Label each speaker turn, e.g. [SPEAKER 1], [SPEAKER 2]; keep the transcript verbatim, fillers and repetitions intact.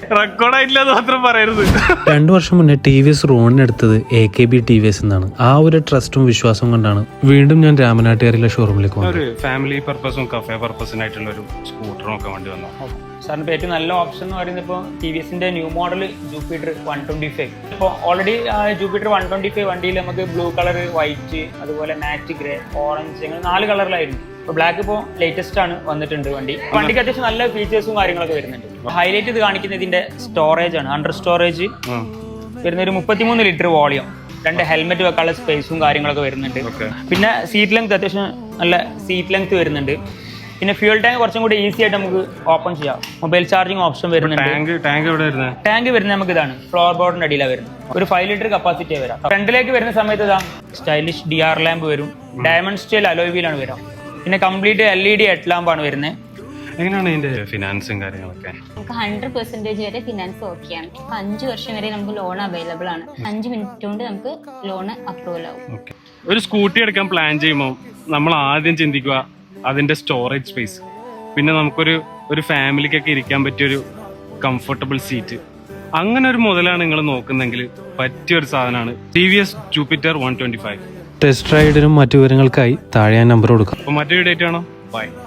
[SPEAKER 1] റെക്കോർഡായിട്ടില്ലെന്ന് മാത്രം പറയരുത്.
[SPEAKER 2] രണ്ടു വർഷം മുന്നേ ടി വി എസ് റോണിനെടുത്തത് A K B T V S എന്നാണ്. ആ ഒരു ട്രസ്റ്റും വിശ്വാസവും കൊണ്ടാണ് വീണ്ടും ഞാൻ രാമനാട്ടുകാരിലെ ഷോറൂമിലേക്ക് വന്നത്.
[SPEAKER 1] ഒരു ഫാമിലി പർപ്പസും കഫേ പർപ്പസിനായിട്ടുള്ള ഒരു സ്കൂട്ടറും ഒക്കെ വേണ്ടി വന്നു.
[SPEAKER 3] സാറിന് ഇപ്പോൾ ഏറ്റവും നല്ല ഓപ്ഷൻ എന്ന് പറയുന്നത് ഇപ്പോൾ ടി വി എസിന്റെ new model Jupiter one twenty five. ഇപ്പോൾ already Jupiter one twenty five വണ്ടിയിൽ നമുക്ക് ബ്ലൂ കളർ, വൈറ്റ്, അതുപോലെ മാറ്റ് ഗ്രേ, ഓറഞ്ച്, അങ്ങനെ നാല് കളറിലായിരുന്നു. ഇപ്പോൾ ബ്ലാക്ക് ഇപ്പോൾ ലേറ്റസ്റ്റ് ആണ് വന്നിട്ടുണ്ട് വണ്ടി. വണ്ടിക്ക് അത്യാവശ്യം നല്ല ഫീച്ചേഴ്സും കാര്യങ്ങളൊക്കെ വരുന്നുണ്ട്. ഹൈലൈറ്റ് ഇത് കാണിക്കുന്നത് ഇതിന്റെ സ്റ്റോറേജ് ആണ്. അണ്ടർ സ്റ്റോറേജ് വരുന്ന ഒരു മുപ്പത്തിമൂന്ന് ലിറ്റർ വോളിയം, രണ്ട് ഹെൽമെറ്റ് വെക്കാനുള്ള സ്പേസും കാര്യങ്ങളൊക്കെ വരുന്നുണ്ട്. പിന്നെ സീറ്റ് ലെങ്ത് അത്യാവശ്യം നല്ല സീറ്റ് ലെങ്ത് വരുന്നുണ്ട്. പിന്നെ ഫ്യൂൽ ടാങ്ക് കുറച്ചും കൂടി ഈസി ആയിട്ട് നമുക്ക് ഓപ്പൺ ചെയ്യാം. മൊബൈൽ ചാർജിങ് ഓപ്ഷൻ വരുന്നുണ്ട്. ടാങ്ക് വരുന്നത് നമുക്ക് ഇതാണ്, ഫ്ലോർ ബോർഡിന്റെ അടിയിലാണ് വരുന്നത്. ഒരു ഫൈവ് ലിറ്റർ കപ്പാസിറ്റി വരാം. ഫ്രണ്ടിലേക്ക് വരുന്ന സമയത്ത് ഇതാ സ്റ്റൈലിഷ് ഡി ആർ ലാമ്പ് വരും. ഡയമണ്ട് സ്റ്റൈൽ അലോയ് വീലാണ് വരാം. പിന്നെ complete L E D head ലാമ്പാണ് വരുന്നത്.
[SPEAKER 1] എങ്ങനെയാണ് ഇതിന്റെ ഫിനാൻസും കാര്യങ്ങളൊക്കെ?
[SPEAKER 4] നമുക്ക് ഹൺഡ്രഡ് പെർസെന്റേജ് വരെ ഫിനാൻസ് ഓക്കെയാണ്. അഞ്ച് വർഷം വരെ നമുക്ക് ലോൺ അവൈലബിൾ ആണ്. അഞ്ച് മിനിറ്റ് കൊണ്ട് നമുക്ക് ലോൺ അപ്രൂവൽ ആവും.
[SPEAKER 1] ഒരു സ്കൂട്ടി എടുക്കാൻ പ്ലാൻ ചെയ്യുമ്പോൾ നമ്മൾ ആദ്യം ചിന്തിക്കുക അതിന്റെ സ്റ്റോറേജ് സ്പേസ്, പിന്നെ നമുക്കൊരു ഒരു ഫാമിലിക്കൊക്കെ ഇരിക്കാൻ പറ്റിയൊരു കംഫർട്ടബിൾ സീറ്റ്, അങ്ങനെ ഒരു മുതലാണ് നിങ്ങൾ നോക്കുന്നെങ്കിൽ പറ്റിയൊരു സാധനമാണ് T V S Jupiter one twenty five.
[SPEAKER 2] Test റൈഡിനും മറ്റു വിവരങ്ങൾക്കായി താഴെ ഞാൻ നമ്പർ കൊടുക്കാം.
[SPEAKER 1] അപ്പോൾ മറ്റൊരു ഡേറ്റ് ആണോ? ബൈ.